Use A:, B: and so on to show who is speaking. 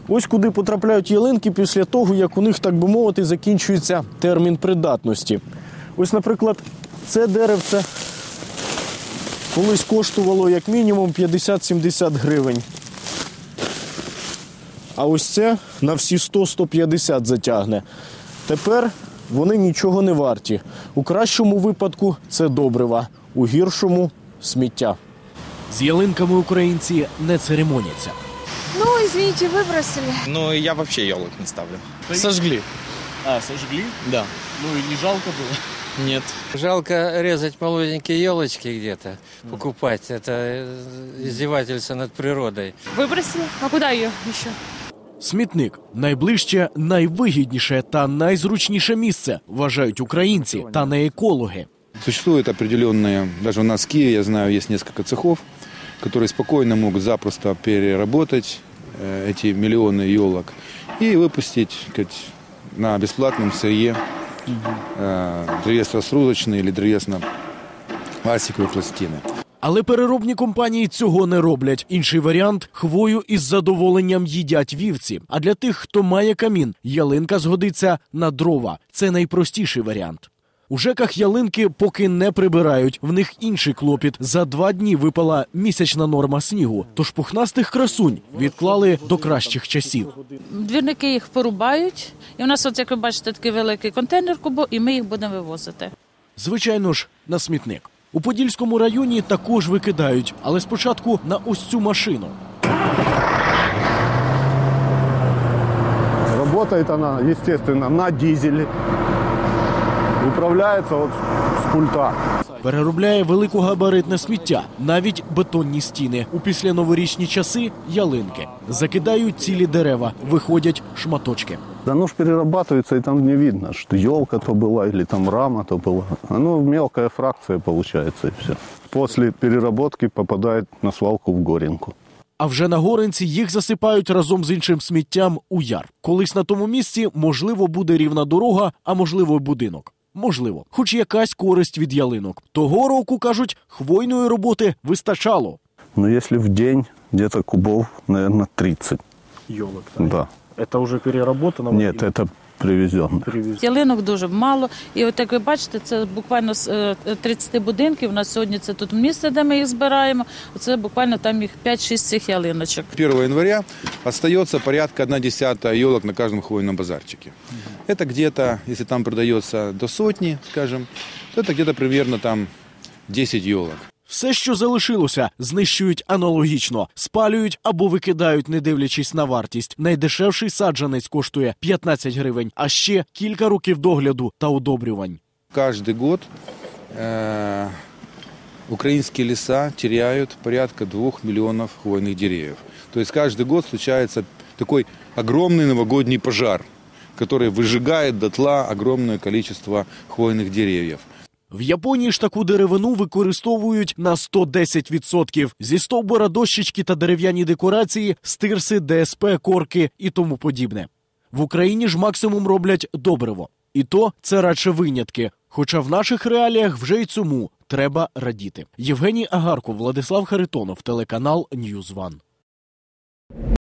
A: Ось куди потрапляють ялинки після того, як у них, так би мовити, закінчується термін придатності. Ось, наприклад, це деревце колись коштувало як мінімум 50-70 гривень. А ось це на всі 100-150 затягне. Тепер вони нічого не варті. У кращому випадку це добрива, у гіршому – сміття. З ялинками українці не церемоняться.
B: Ну, извините, выбросили.
C: Ну, я вообще елок не ставлю.
A: Сожгли. А, сожгли?
C: Да.
A: Ну и не жалко было?
C: Нет.
D: Жалко резать молоденькие елочки где-то, покупать. Это издевательство над природой.
B: Выбросили? А куда ее еще?
A: Смітник – найближче, найвигідніше та найзручніше місце, вважають українці та не екологи.
E: Существуют определенные, даже у нас в Киеве, я знаю, есть несколько цехов, которые спокойно могут запросто переработать эти миллионы елок и выпустить на бесплатном сырье древесно-срузочные или древесно-пластиковые пластины.
A: Але переробні компанії цього не роблять. Інший варіант – хвою із задоволенням їдять вівці. А для тих, хто має камін, ялинка згодиться на дрова. Це найпростіший варіант. У ЖЕКах ялинки поки не прибирають. В них інший клопіт. За 2 дні випала місячна норма снігу. Тож пухнастих красунь відклали до кращих часів.
F: Двірники їх порубають. І у нас, от, як ви бачите, такий великий контейнер кубо, і ми їх будемо вивозити.
A: Звичайно ж, на смітник. У Подільському районі також викидають, але спочатку на ось цю машину.
G: Работает она, естественно, на дизеле. Управляется вот с пульта.
A: Переробляє великогабаритне сміття, навіть бетонні стіни. У післяноворічні часи – ялинки. Закидають цілі дерева, виходять шматочки.
G: Оно ж перерабатывается, и там не видно, что елка то была или там рама то была. Оно мелкая фракция получается, и все. После переработки попадает на свалку в Горенку.
A: А вже на Горенці їх засипають разом з іншим сміттям у яр. Колись на тому місці, можливо, буде рівна дорога, а можливо, й будинок. Можливо. Хоч якась користь від ялинок. Того року, кажуть, хвойної роботи вистачало.
G: Но если в день где-то кубов, наверное, 30.
A: Йолок,
G: Да.
A: Це вже переработано?
G: Нет, это привезено.
F: Ялинок дуже мало. І от як ви бачите, це буквально з 30 будинків. У нас сьогодні це тут місце, де ми їх збираємо. Оце буквально там їх 5-6 цих ялиночок.
E: 1 января остается порядка 1/10 елок на каждом хвойном базарчике. Это где-то, если там продается до 100, скажем, то это где-то примерно там 10 елок.
A: Все, що залишилося, знищують аналогічно. Спалюють або викидають, не дивлячись на вартість. Найдешевший саджанець коштує 15 гривень, а ще кілька років догляду та удобрювань.
E: Каждый год украинские леса теряют порядка 2 миллионов хвойных деревьев. То есть каждый год случается такой огромный новогодний пожар, который выжигает дотла огромное количество хвойных деревьев.
A: В Японії ж таку деревину використовують на 110%. Зі стовбура дощечки та дерев'яні декорації, стирси, ДСП, корки і тому подібне. В Україні ж максимум роблять добриво. І то це радше винятки. Хоча в наших реаліях вже й цьому треба радіти. Євгеній Агарко, Владислав Харитонов, телеканал Ньюзван.